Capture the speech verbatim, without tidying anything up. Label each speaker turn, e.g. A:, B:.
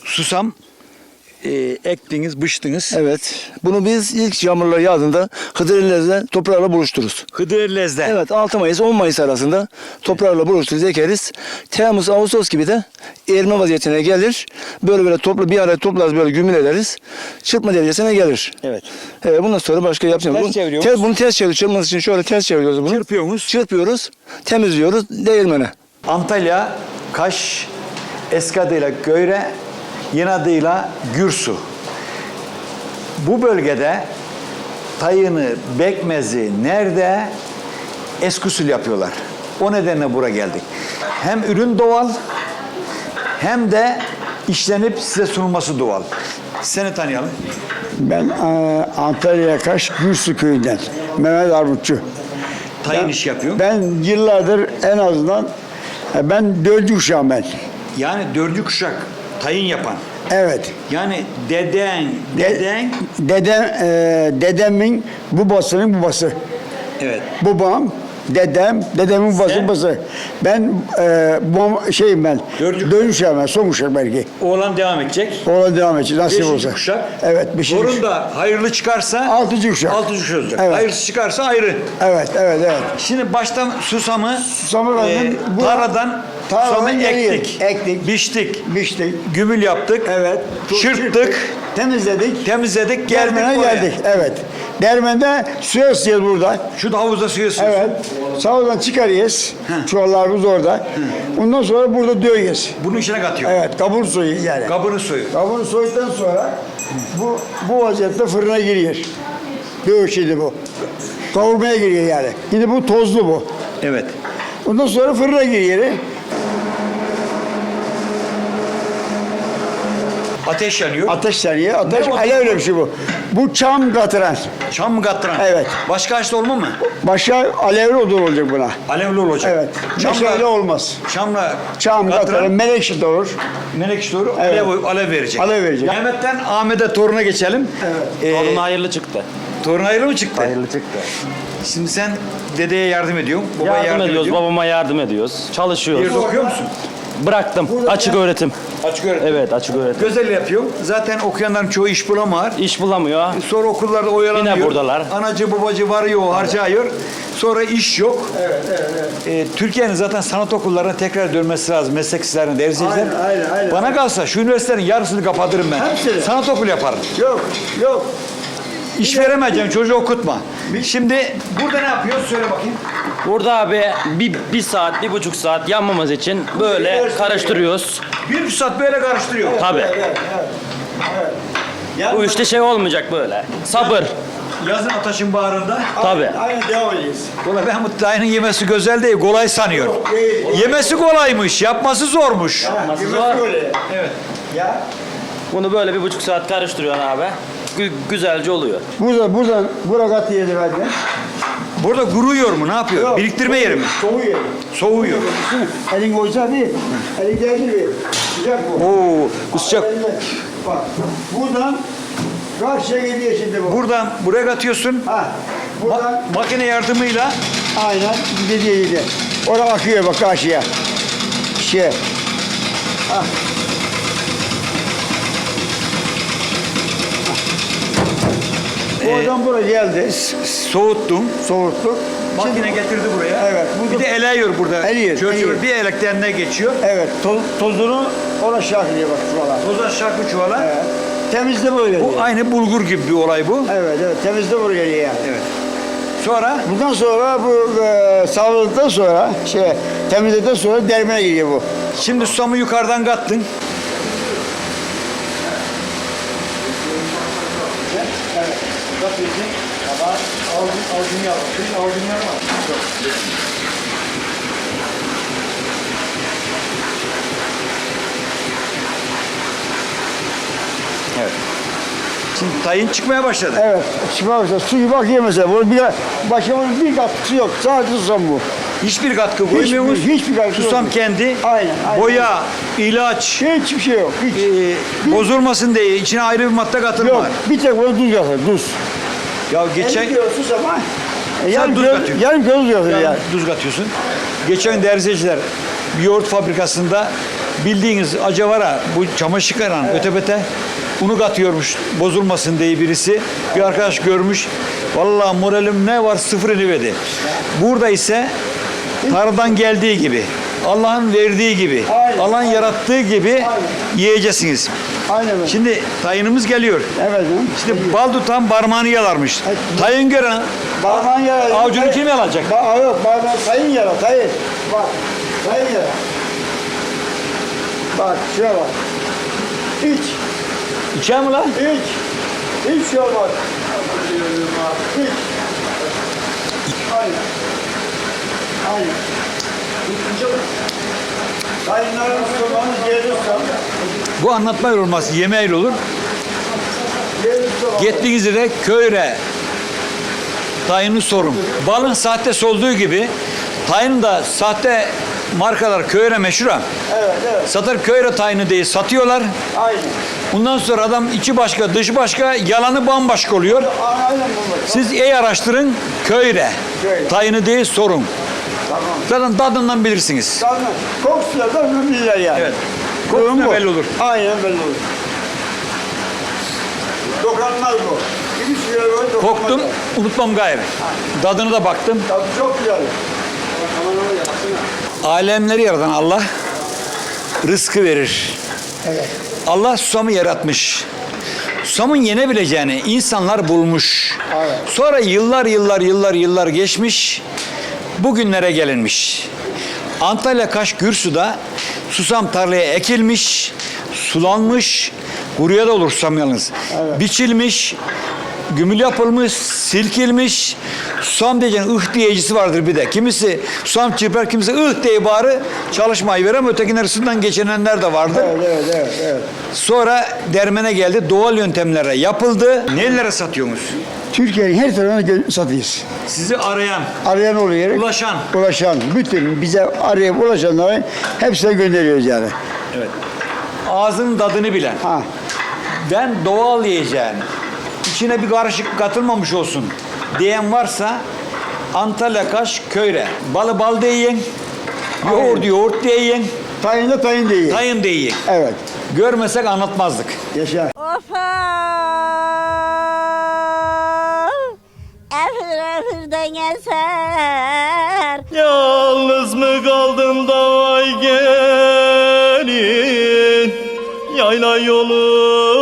A: susam e, ektiniz, biçtiniz.
B: Evet. Bunu biz ilk yağmurlar yağdığında Hıdrellez'de toprağla buluştururuz.
A: Hıdrellez'de.
B: Evet, altı Mayıs on Mayıs arasında toprağla buluştururuz, ekeriz. Temmuz Ağustos gibi de erime vaziyetine gelir. Böyle böyle toplu bir araya toplarız, böyle gümül ederiz. Çırpma derecesine gelir.
A: Evet.
B: Evet, bundan sonra başka yapacağız.
A: Ters
B: Bunu,
A: çeviriyoruz.
B: ters, bunu ters çeviriyoruz. Çırpması için şöyle ters çeviriyoruz bunu.
A: Çırpıyorsunuz.
B: Çırpıyoruz, temizliyoruz değirmene.
A: Antalya, Kaş, eski adıyla Göyre, yeni adıyla Gürsu. Bu bölgede tayını, bekmezi nerede eski usul yapıyorlar. O nedenle buraya geldik. Hem ürün doğal hem de işlenip size sunulması doğal. Seni tanıyalım.
C: Ben e, Antalya Kaş Gürsu köyünden Mehmet Armutçu.
A: Tayin iş yapıyor.
C: Ben yıllardır en azından e, ben dördüncü kuşağım ben.
A: Yani dördüncü kuşak tayin yapan.
C: Evet.
A: Yani deden,
C: De-
A: deden.
C: Dedem, e, dedemin babasının babası.
A: Evet.
C: Babam, dedem, dedemin babası
A: Sen?
C: babası. Ben e, bu şeyim ben.
A: Dördüncü-
C: Dördüncü kuşağım ben, son kuşak belki.
A: Oğlan devam edecek.
C: Oğlan devam edecek nasip
A: Beşinci
C: olsa.
A: kuşak.
C: Evet, beşinci
A: Torun
C: kuşak.
A: da hayırlı çıkarsa
C: Altıncı kuşak.
A: altıncı kuşak olacak.
C: Evet.
A: Hayırsız çıkarsa ayrı.
C: Evet, evet, evet.
A: Şimdi baştan susamı,
C: Susamı verdim. Bu-
A: tarladan
C: Tarladan
A: susamı
C: geriye
A: ektik,
C: ektik.
A: biçtik,
C: Biçtik.
A: gümül yaptık,
C: Evet.
A: çırptık,
C: Temizledik.
A: temizledik, geldik
C: Dermene
A: buraya.
C: geldik. Evet. Dermende suya ısıtıyoruz burada.
A: Şu da havuzda suyu ısıyorsun.
C: Evet. Sağdan çıkarıyoruz. Çuvallarımız orada. Ondan sonra burada dövüyoruz.
A: Bunun içine katıyor.
C: Evet. Kabur suyu yani.
A: Kabının suyu.
C: Kabını soyduktan sonra bu bu vaziyette fırına giriyor. Dövüş şimdi bu. Kavurmaya giriyor yani. Şimdi bu tozlu bu.
A: Evet.
C: Ondan sonra fırına giriyor.
A: Ateş yanıyor.
C: Ateş yanıyor. Ateş
A: Ne o?
C: alevli bir şey bu. Bu çam katıran.
A: Çam mı kattıran?
C: Evet.
A: Başka ağaçta olma mı?
C: Başka alevli odun olacak buna.
A: Alevli olacak.
C: Evet.
A: Çamla,
C: Meşale olmaz.
A: çamla
C: Çam katıran,
A: kattıran
C: menekşe de olur.
A: menekşe doğru
C: Evet.
A: alev, alev verecek.
C: Alev verecek.
A: Mehmet'ten Ahmet'e toruna geçelim.
C: Evet.
A: Ee,
D: Torun hayırlı çıktı.
A: torun hayırlı mı çıktı?
D: Hayırlı çıktı.
A: Şimdi sen dedeye yardım ediyorsun. Babaya
D: Yardım,
A: yardım,
D: ediyoruz,
A: ediyorsun.
D: babama yardım ediyoruz. Çalışıyoruz.
A: Bir de okuyor musun?
D: Bıraktım. Açık öğretim.
A: Açık öğretim.
D: Evet, açık öğretim.
A: Güzel yapıyor. Zaten okuyanların çoğu iş bulamıyor.
D: İş bulamıyor.
A: Sonra okullarda oyalanıyor.
D: Yine buradalar.
A: Anacı babacı varıyor, harcıyor. Sonra iş yok.
C: Evet, evet, evet.
A: Ee, Türkiye'nin zaten sanat okullarına tekrar dönmesi lazım. Meslek liselerini, ders
C: Aynen, aynen, aynen.
A: Bana kalsa şu üniversitelerin yarısını kapatırım ben.
C: Hepsini.
A: Sanat okulu yaparım.
C: Yok, yok.
A: İş veremeyeceğim, çocuğu okutma. Şimdi burada ne yapıyoruz? Söyle bakayım.
D: Burada abi bir, bir saat, bir buçuk saat yanmamız için böyle karıştırıyoruz.
A: Bir buçuk saat böyle karıştırıyor.
D: Tabii.
A: Ya
D: Bu işte şey olmayacak böyle. Sabır.
A: yazın ateşin bağrında.
D: Tabii.
C: Aynen devam edeceğiz.
A: Ulan ben bu dayının yemesi güzel değil, kolay sanıyorum.
C: değil.
A: Yemesi kolaymış, yapması zormuş.
D: Nasıl
C: Yemek
D: zor?
C: böyle.
A: Evet.
C: Ya.
D: Bunu böyle bir buçuk saat karıştırıyorsun abi. Gü- güzelce oluyor.
C: Burada, buradan, bura kat yedi hadi.
A: Burada kuruyor mu? Ne yapıyor?
C: Yok,
A: Biriktirme yeri mi?
C: Soğuyor.
A: Soğuyor.
C: Elin koysa bir, elin geldi bir. Sıcak bu.
A: Oo, sıcak.
C: Elinde. Bak, buradan karşıya gidiyor şimdi bu.
A: Buradan buraya katıyorsun.
C: Ha, buradan
A: Ma- makine yardımıyla
C: aynen gidiyor gidiyor. Oraya akıyor bak karşıya. Şey. Ha. Oradan buraya geldi.
A: soğuttun.
C: Soğuttuk.
A: Makine getirdi buraya.
C: Evet,
A: Bir
C: burada-
A: de eleyiyor burada.
C: Eliyor,
A: Çöl çöl
C: eliyor.
A: bir elekten ne geçiyor?
C: Evet, toz, tozunu ona şarkılıyor bak şuralar.
A: Toza şarkı çuvala.
C: Evet. Temizde böyle
A: Bu
C: geliyor.
A: aynı bulgur gibi bir olay bu.
C: Evet, evet, temizde böyle geliyor yani.
A: Evet. Sonra
C: Bundan sonra bu e, sağladıktan sonra, şey, temizledikten sonra dermeye giriyor bu.
A: şimdi susamı yukarıdan kattın. Evet. Şimdi tayin çıkmaya başladı.
C: Evet, şimdi bak suyu bak ye mesela. Bunun bir, başka bunun bir katkısı yok. Sadece susam bu.
A: Hiçbir katkı koymuyoruz.
C: Hiçbir- hiçbir katkı
A: Susam
C: yok.
A: kendi.
C: Aynen, aynen.
A: Boya, ilaç,
C: Hiçbir şey yok. Hiç.
A: e, bozulmasın diye içine ayrı bir madde katılma.
C: Yok, bir tek bunu duz yapar, duz.
A: Ya geçen
C: elli kilo susama, e, yarım
A: duz
C: kilo,
A: katıyorsun.
C: yarım kilo duz yapar
A: Yani
C: yani.
A: tuz katıyorsun. Geçen derzeciler bir yoğurt fabrikasında bildiğiniz acavara bu çamaşır yıkanan ötebete unu katıyormuş bozulmasın diye birisi. Bir arkadaş görmüş. Vallahi moralim ne var sıfır verdi. Burada ise tarladan geldiği gibi, Allah'ın verdiği gibi,
C: Aynen,
A: Allah'ın
C: aynen.
A: yarattığı gibi
C: Aynen.
A: yiyeceksiniz.
C: Aynen öyle.
A: Şimdi tayınımız geliyor.
C: Evet. canım.
A: İşte bal tutan parmağını yalarmış.
C: Evet.
A: Tayın gören
C: Parmağın yara.
A: avucunu kim yalayacak?
C: Ba yok, parmağın sayın yara, sayın. Bak, sayın yara. Bak, şuna bak. İç,
A: İçer mi lan?
C: iç. Hiç şey olmaz. İç. Aynen. Aynen. Sayınların sormanız gelirse,
A: Bu anlatma olmaz, yemeğiyle olur.
C: gelirse
A: Gittiğiniz yere köyre tayını sorun. Balın sahtesi olduğu gibi tayının da sahte markalar köyre meşhur ha.
C: Evet, evet.
A: Satır köyre tayını diye satıyorlar.
C: Aynen.
A: Bundan sonra adam içi başka, dışı başka, yalanı bambaşka oluyor.
C: Aynen bunlar.
A: Siz iyi araştırın, köyre
C: Köyre.
A: tayını diye sorun.
C: Tamam.
A: Zaten tadından bilirsiniz.
C: Zaten kokusuyla da bilirler yani.
A: Evet.
C: Durum
A: Kokusuyla
C: bu.
A: belli olur.
C: Aynen belli olur. Dokunmaz bu. Bir süre böyle dokunmaz.
A: Koktum, unutmam gayrı. Tadını da baktım.
C: Tadı çok güzel.
A: Alemleri yaratan Allah rızkı verir.
C: Evet.
A: Allah susamı yaratmış. Susamın yenebileceğini insanlar bulmuş.
C: Evet.
A: Sonra yıllar yıllar yıllar yıllar geçmiş. Bugünlere gelinmiş. Antalya Kaş Gürsu'da susam tarlaya ekilmiş, sulanmış, kuruya da olur susam yalnız.
C: Evet.
A: Biçilmiş, gümül yapılmış, silkilmiş. Susam diyeceğin ıh diyecisi vardır bir de. Kimisi susam çırpar, kimisi ıh diye bağırı çalışmayı verir ama ötekiler üstünden geçinenler de vardır.
C: Evet, evet, evet, evet.
A: Sonra dermene geldi, doğal yöntemlere yapıldı. Nelere satıyorsunuz?
C: Türkiye'nin her tarafına gö- satıyoruz.
A: Sizi arayan,
C: Arayan oluyor.
A: ulaşan.
C: Ulaşan. Bütün bize arayıp ulaşanları hepsine gönderiyoruz yani.
A: Evet. Ağzının tadını bilen.
C: Ha.
A: Ben doğal yiyeceğim. İçine bir karışık katılmamış olsun diyen varsa Antalya Kaş Köyre. Balı bal diye yiyin. Yoğurt yoğurt diye yiyin.
C: Tayin de tayin değil.
A: Tayın diye yiyin.
C: Evet.
A: Görmesek anlatmazdık.
C: Yaşa.
E: Ofa! Efir efirden eser.
F: Yalnız mı kaldım da vay gelin, yayla yolu